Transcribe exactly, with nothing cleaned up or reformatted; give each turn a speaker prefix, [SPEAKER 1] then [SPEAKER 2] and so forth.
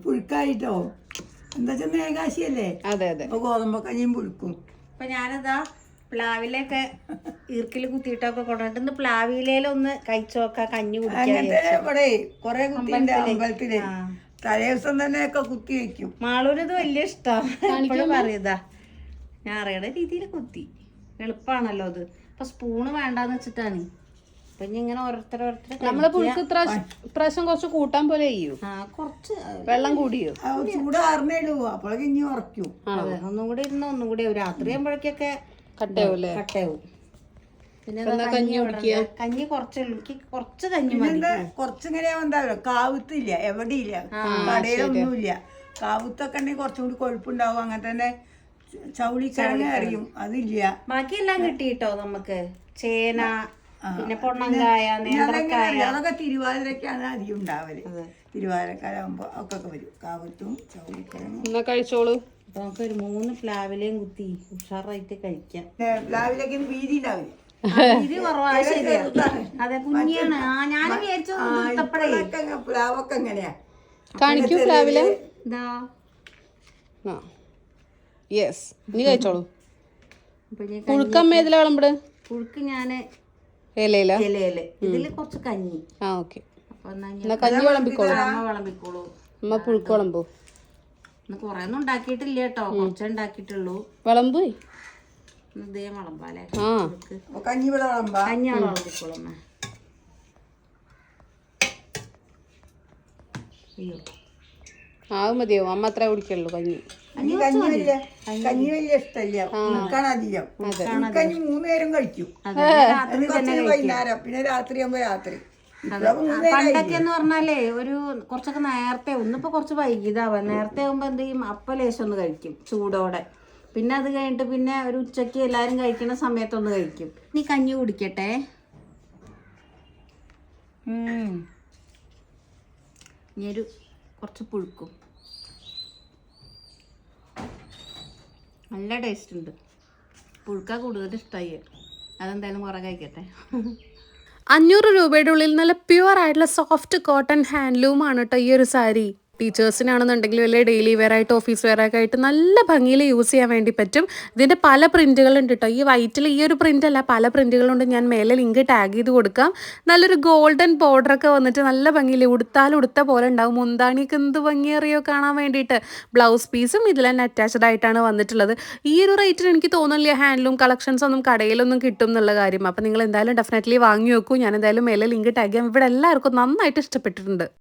[SPEAKER 1] പുഴുക്കായിട്ടോ എന്താ വെച്ചാൽ ഏകാശിയല്ലേ.
[SPEAKER 2] അതെ അതെ.
[SPEAKER 1] അപ്പൊ ഗോതമ്പ് കഞ്ഞിയും പുഴുക്കും.
[SPEAKER 3] അപ്പൊ ഞാനിതാ പ്ലാവിലൊക്കെ ഈർക്കിൽ കുത്തിയിട്ടൊക്കെ കൊണ്ടുവന്നിട്ട് പ്ലാവിലൊന്ന് കഴിച്ചോക്ക കഞ്ഞി
[SPEAKER 1] അങ്ങനത്തെ ഇവിടെ കൊറേ കുത്തിണ്ട് അമ്പലത്തില്. തലേ ദിവസം തന്നെ ഒക്കെ കുത്തി വെക്കും.
[SPEAKER 3] മാളൂരിത് വലിയ ഇഷ്ടമാണ് പറയുതാ. ഞാൻ അറിയണ രീതിയിൽ കുത്തി എളുപ്പാണല്ലോ അത്. അപ്പൊ സ്പൂണ് വേണ്ടാന്ന് വെച്ചിട്ടാണ്. അപ്പൊ ഇനി ഇങ്ങനെ ഓരോരുത്തരോരുത്തർ
[SPEAKER 2] നമ്മളെ പുഴുക്ക് ഇത്ര പ്രാവശ്യം കുറച്ച് കൂട്ടാൻ പോലെ ചെയ്യൂ.
[SPEAKER 3] ആ കുറച്ച്
[SPEAKER 2] വെള്ളം കൂടിയോ?
[SPEAKER 1] ചൂടാറിനേടൂ അപ്പോഴൊക്കെ ഇനി ഉറക്കും.
[SPEAKER 3] അതെ ഒന്നും കൂടി ഇരുന്ന് ഒന്നും കൂടി രാത്രി ആകുമ്പോഴേക്കൊക്കെ
[SPEAKER 2] കട്ടയാവൂല്ലേ?
[SPEAKER 3] കട്ടയാവും. പിന്നെ
[SPEAKER 2] കഞ്ഞി കുടിക്കുക.
[SPEAKER 3] കഞ്ഞി കുറച്ച് എനിക്ക് കുറച്ച് കഞ്ഞി മതി.
[SPEAKER 1] കുറച്ചിങ്ങനെ എന്താ കാവുത്തില്ല, എവിടെയില്ല, കടയിലൊന്നുമില്ല. കാവുത്തൊക്കെ ഉണ്ടെങ്കിൽ കുറച്ചും കൂടി കൊഴുപ്പുണ്ടാവും. അങ്ങനെ തന്നെ ചൗളിക്കിഴങ്ങ് അറിയും, അതില്ല.
[SPEAKER 3] ബാക്കിയെല്ലാം കിട്ടിട്ടോ നമുക്ക്. ചേന, പിന്നെ പൊണ്ണങ്കായ, നേന്ത്രക്കായ,
[SPEAKER 1] അതൊക്കെ തിരുവാതിരക്കാണ് അധികം ഉണ്ടാവല്. തിരുവാതിരക്കാരാകുമ്പോ ഒക്കെ വരും കാവത്തും ചൗളിക്കിഴങ്ങും.
[SPEAKER 2] എന്നാ കഴിച്ചോളൂ.
[SPEAKER 3] അപ്പൊ നമുക്ക് ഒരു മൂന്ന് പ്ലാവിലെയും കുത്തി ഉഷാറായിട്ട് കഴിക്കാം.
[SPEAKER 1] പ്ലാവിലേക്ക് വീതി ഉണ്ടാവില്ല.
[SPEAKER 3] ഇത് കുറവാ. അതെ കുഞ്ഞിയാണ്. ആ ഞാൻ വിചാരിച്ചു
[SPEAKER 1] പ്ലാവൊക്കെ എങ്ങനെയാ
[SPEAKER 2] കാണിക്കൂ പ്ലാവിലെ.
[SPEAKER 3] ഇതാ
[SPEAKER 2] യെസ് ഇനി കഴിച്ചോളൂ. പുഴുക്കമ്മ ഇതിലെ വിളമ്പട്.
[SPEAKER 3] പുഴുക്ക് ഞാന്
[SPEAKER 2] ഇലയില
[SPEAKER 3] ഇലയില് ഇതില് കുറച്ച് കഞ്ഞി.
[SPEAKER 2] ആ ഓക്കെ.
[SPEAKER 3] അപ്പൊ
[SPEAKER 2] എന്നാ കഞ്ഞി വിളമ്പിക്കോളൂ.
[SPEAKER 3] അമ്മ വിളമ്പിക്കോളൂ.
[SPEAKER 2] അമ്മ പുഴുക്ക് വിളമ്പോ.
[SPEAKER 3] ഇന്ന് കൊറേ ഒന്നും ഉണ്ടാക്കിയിട്ടില്ല കേട്ടോ, കുറച്ചേ ഉണ്ടാക്കിയിട്ടുള്ളൂ.
[SPEAKER 2] വിളമ്പ്
[SPEAKER 3] ഇതേ വിളമ്പാലേ.
[SPEAKER 2] ആ
[SPEAKER 1] കഞ്ഞി ഇവിടെ വിളമ്പാ.
[SPEAKER 3] കഞ്ഞി അവിടെ വിളമ്പിക്കോളൂ അമ്മ. അയ്യോ
[SPEAKER 2] ആ മതിയോ? അമ്മ അത്ര കുടിക്കുള്ളൂ കഞ്ഞി.
[SPEAKER 1] കഞ്ഞി വലിയ കഞ്ഞി വലിയ ഇഷ്ടല്ല. ഉൾക്കാണ് അധികം. കഞ്ഞി മൂന്ന് നേരം കഴിക്കും. വൈകുന്നേരം പിന്നെ രാത്രി ആകുമ്പോ രാത്രി.
[SPEAKER 3] പണ്ടൊക്കെ എന്ന് പറഞ്ഞാലേ ഒരു കുറച്ചൊക്കെ നേരത്തെ ഒന്നിപ്പോ കുറച്ച് വൈകിതാവാ. നേരത്തെ ആകുമ്പോ എന്ത് ചെയ്യും, അപ്പ ലേശം ഒന്ന് കഴിക്കും ചൂടോടെ. പിന്നെ അത് കഴിഞ്ഞിട്ട് പിന്നെ ഒരു ഉച്ചക്ക് എല്ലാരും കഴിക്കുന്ന സമയത്തൊന്ന് കഴിക്കും. നീ കഞ്ഞി കുടിക്കട്ടെ. ഇനി ഒരു കുറച്ച് പുഴുക്കും. നല്ല ടേസ്റ്റ് ഉണ്ട്. പുഴുക്ക കൂടുതൽ ഇഷ്ടമായി. അതെന്തായാലും കുറെ കഴിക്കട്ടെ.
[SPEAKER 2] അഞ്ഞൂറ് രൂപയുടെ ഉള്ളിൽ നല്ല പ്യുവർ ആയിട്ടുള്ള സോഫ്റ്റ് കോട്ടൺ ഹാൻഡ്ലൂം ആണ് കേട്ടോ ഈ ഒരു സാരി. ടീച്ചേഴ്സിനാണെന്നുണ്ടെങ്കിൽ വലിയ ഡെയിലി വെയർ ആയിട്ട് ഓഫീസ് വെയർ ഒക്കെ ആയിട്ട് നല്ല ഭംഗിയിൽ യൂസ് ചെയ്യാൻ വേണ്ടി പറ്റും. ഇതിൻ്റെ പല പ്രിന്റുകളുണ്ട് കേട്ടോ. ഈ വൈറ്റിൽ ഈ ഒരു പ്രിന്റ് അല്ല, പല പ്രിന്റുകളുണ്ട്. ഞാൻ മേലെ ലിങ്ക് ടാഗ് ചെയ്ത് കൊടുക്കാം. നല്ലൊരു ഗോൾഡൻ ബോർഡറൊക്കെ വന്നിട്ട് നല്ല ഭംഗിയിൽ ഉടുത്താൽ ഉടുത്ത പോലെ ഉണ്ടാവും. മുന്താണിയൊക്കെ എന്ത് ഭംഗിയറിയോ കാണാൻ വേണ്ടിയിട്ട്. ബ്ലൗസ് പീസും ഇതിൽ തന്നെ അറ്റാച്ച്ഡ് ആയിട്ടാണ് വന്നിട്ടുള്ളത്. ഈ ഒരു റേറ്റിന് എനിക്ക് തോന്നുന്നില്ല ഹാൻഡ്ലൂം കളക്ഷൻസ് ഒന്നും കടയിലൊന്നും കിട്ടും എന്നുള്ള കാര്യം. അപ്പോൾ നിങ്ങൾ എന്തായാലും ഡെഫിനറ്റ്ലി വാങ്ങി വെക്കൂ. ഞാൻ എന്തായാലും മേലെ ലിങ്ക് ടാഗ് ചെയ്യാം. ഇവിടെ എല്ലാവർക്കും നന്നായിട്ട് ഇഷ്ടപ്പെട്ടിട്ടുണ്ട്.